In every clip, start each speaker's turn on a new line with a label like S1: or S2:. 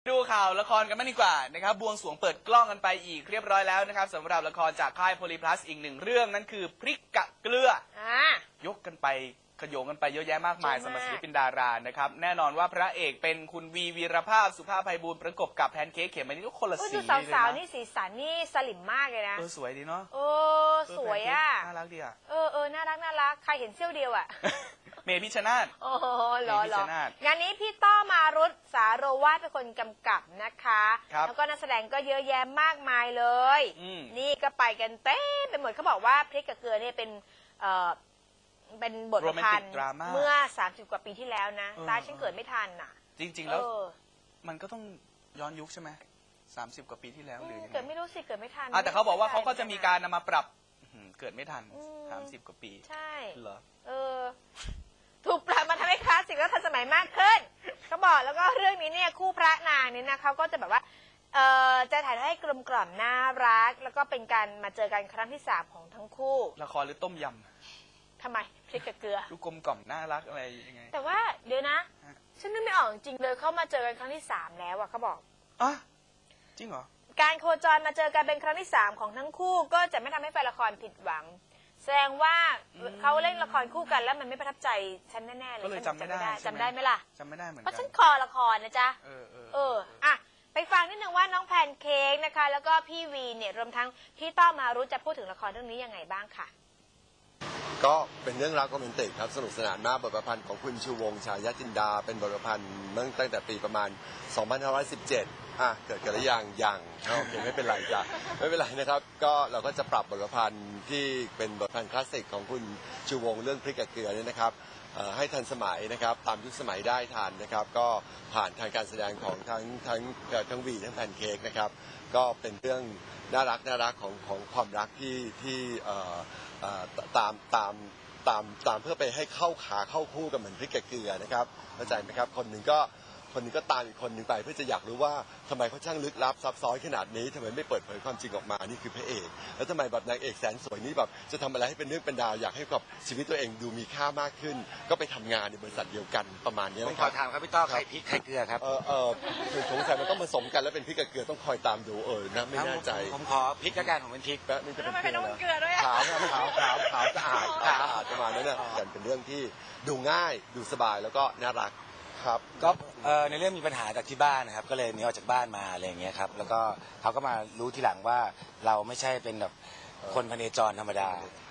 S1: ดูข่าวละครกันบ้างดีกว่านะครับบวงสรวงเปิดกล้องกันไปอีกเรียบร้อยแล้วนะครับสำหรับละครจากค่ายโพลีพลัสอีกหนึ่งเรื่องนั้นคือพริกกะเกลือยกกันไปขโยงกันไปเยอะแยะมากมายสำหรับศิลปินดารานะครับแน่นอนว่าพระเอกเป็นคุณวีรภาพสุภาพไพบูลย์ประกบกับแพนเค้กเขมมะนิดก็คนละสีเลยนะ
S2: สาวๆนี่สีสันนี่สลิมมากเลยนะ
S1: สวยดีเนาะ
S2: สวยอ่ะ
S1: น่ารักดีอ่ะ
S2: น่ารักใครเห็นเสี้ยวเดียวอ่ะ
S1: เมย์พิชชนาธิ์
S2: หรองานนี้พี่ต้อมารุตสาโรวาทเป็นคนกำกับนะคะแล้วก็นักแสดงก็เยอะแยะมากมายเลยนี่ก็ไปกันเต้ไปหมดเขาบอกว่าพริกกับเกลือเนี่ยเป็นบทประพันธ์เมื่อ30 กว่าปีที่แล้วนะตาฉันเกิดไม่ทันน่ะ
S1: จริงๆแล้วมันก็ต้องย้อนยุคใช่ไหม30 กว่าปีที่แล้วหรือ
S2: เกิดไม่รู้สิเกิดไม่ทัน
S1: แต่เขาบอกว่าเขาก็จะมีการนำมาปรับเกิดไม่ทัน30 กว่าปี
S2: ใช่
S1: เหรอ
S2: ถูกปรับมาทำให้คลาสสิกและทันสมัยมากขึ้นเขาบอกแล้วก็เรื่องนี้เนี่ยคู่พระนางเนี่ยนะเขาก็จะแบบว่าจะถ่ายให้กลมกล่อมน่ารักแล้วก็เป็นการมาเจอกันครั้งที่3ของทั้งคู่
S1: ละครหรือต้มยำ
S2: ทำไมพริกกับเกลือ
S1: ดูกลมกล่อมน่ารักอะไรยังไง
S2: แต่ว่าเดี๋ยวนะฉันนึกไม่ออกจริงเลยเขามาเจอกันครั้งที่3แล้วอะเขาบอก
S1: จริงเหรอ
S2: การโคจรมาเจอกันเป็นครั้งที่3ของทั้งคู่ก็จะไม่ทำให้แฟนละครผิดหวังแสดงว่าเขาเล่นละครคู่กันแล้วมันไม่ประทับใจฉันแน่ๆเลย
S1: ก็เลยจำไม่ได้
S2: จำได้ไหมล่ะ
S1: จำไม่ได้เหมือนกัน
S2: เพราะฉันคอละครนะจ๊ะไปฟังนิดนึงว่าน้องแพนเค้กนะคะแล้วก็พี่วีเนี่ยรวมทั้งพี่ต้อมารุจะพูดถึงละครเรื่องนี้ยังไงบ้างค่ะ
S3: ก็เป็นเรื่องราวโรแมนติกครับสนุกสนานมากบทประพันธ์ของคุณชูวงศ์ฉายาจินดาเป็นบทประพันธ์ตั้งแต่ปีประมาณ 2517 เกิดกันหรือยังโอเคไม่เป็นไรจ้ะไม่เป็นไรนะครับก็เราก็จะปรับบทประพันธ์ที่เป็นบทประพันธ์คลาสสิกของคุณชูวงศ์เรื่องพริกกับเกลือเนี่ยนะครับให้ทันสมัยนะครับตามยุคสมัยได้ทันนะครับก็ผ่านทางการแสดงของทั้งวีทั้งแพนเค้กนะครับก็เป็นเรื่องน่ารักของความรักที่ตามเพื่อไปให้เข้าขาเข้าคู่กันเหมือนพริกกับเกลือนะครับเข้าใจไหมครับคนหนึ่งก็ตามอีกคนหนึ่งไปเพื่อจะอยากรู้ว่าทำไมเขาช่างลึกลับซับซ้อนขนาดนี้ทำไมไม่เปิดเผยความจริงออกมานี่คือพระเอกแล้วทำไมแบบนางเอกแสนสวยนี่แบบจะทำอะไรให้เป็นเรื่องเป็นราวอยากให้กับชีวิตตัวเองดูมีค่ามากขึ้นก็ไปทำงานในบริษัทเดียวกันประมาณนี้นะครับ
S4: ผมขอถามครับพี่ต้อใครพริกใครเกลือครับ
S3: สงสัยมันต้องผสมกันแล้วเป็นพริกกับเกลือต้องคอยตามดูนะไม่แน่ใจ
S4: ผมขอพริกแล้วกันผมเป็นพริก
S2: แล้วทำไมเป็นเกลือด้วย
S3: ขาวสะอาดประมาณนั้นเนี่ยเป็นเรื่องที่ดูง่ายดูสบายแล้วก็น่ารัก
S4: ก็ในเรื่องมีปัญหาจากที่บ้านนะครับก็เลยหนีออกจากบ้านมาอะไรอย่างเงี้ยครับแล้วก็เขาก็มารู้ทีหลังว่าเราไม่ใช่เป็นแบบคนพเนจรธรรมดา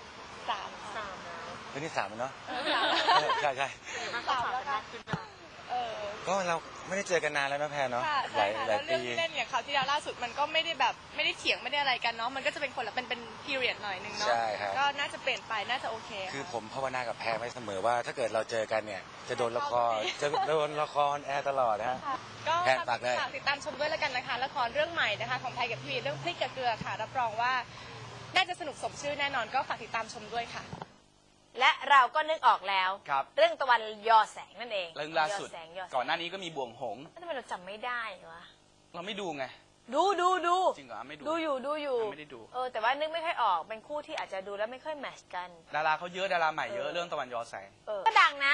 S4: 3เป็นที่3เนาะใช่
S2: แล้วค่ะ
S4: ก็เราไม่ได้เจอกันนานแล้วนะแพนเนาะหลาย
S5: ปีเรื่องที่เล่นอย่างเขาที่ล่าสุดมันก็ไม่ได้เถียงไม่ได้อะไรกันเนาะมันก็จะเป็นคนละเป็น period หน่อยนึงเนาะก็น่าจะเปลี่ยนไปน่าจะโอเค
S4: คือผมภาวนากับแพนไว้เสมอว่าถ้าเกิดเราเจอกันเนี่ยจะโดนละครแอร์ตลอดนะฮะ
S5: ก็ฝากติดตามชมด้วยแล้วกันนะคะละครเรื่องใหม่นะคะของไทยกับพี่วีเรื่องพริกกับเกลือค่ะรับรองว่าน่าจะสนุกสมชื่อแน่นอนก็ฝากติดตามชมด้วยค่ะ
S2: และเราก็นึกออกแล้วเรื่องตะวันยอแสงนั่นเอง
S1: เรื่องล่าสุดก่อนหน้านี้ก็มีบ่วงหงส์
S2: ทำไมเราจำไม่ได้วะ
S1: เราไม่ดูไง
S2: ดู
S1: จริงเหรอไม่
S2: ดูอยู่
S1: ไม่ได้ดู
S2: แต่ว่านึกไม่ค่อยออกเป็นคู่ที่อาจจะดูแล้วไม่ค่อยแมทช์กัน
S1: ดาราเขาเยอะดาราใหม่เยอะเรื่องตะวันยอแสง
S2: ก็ดังนะ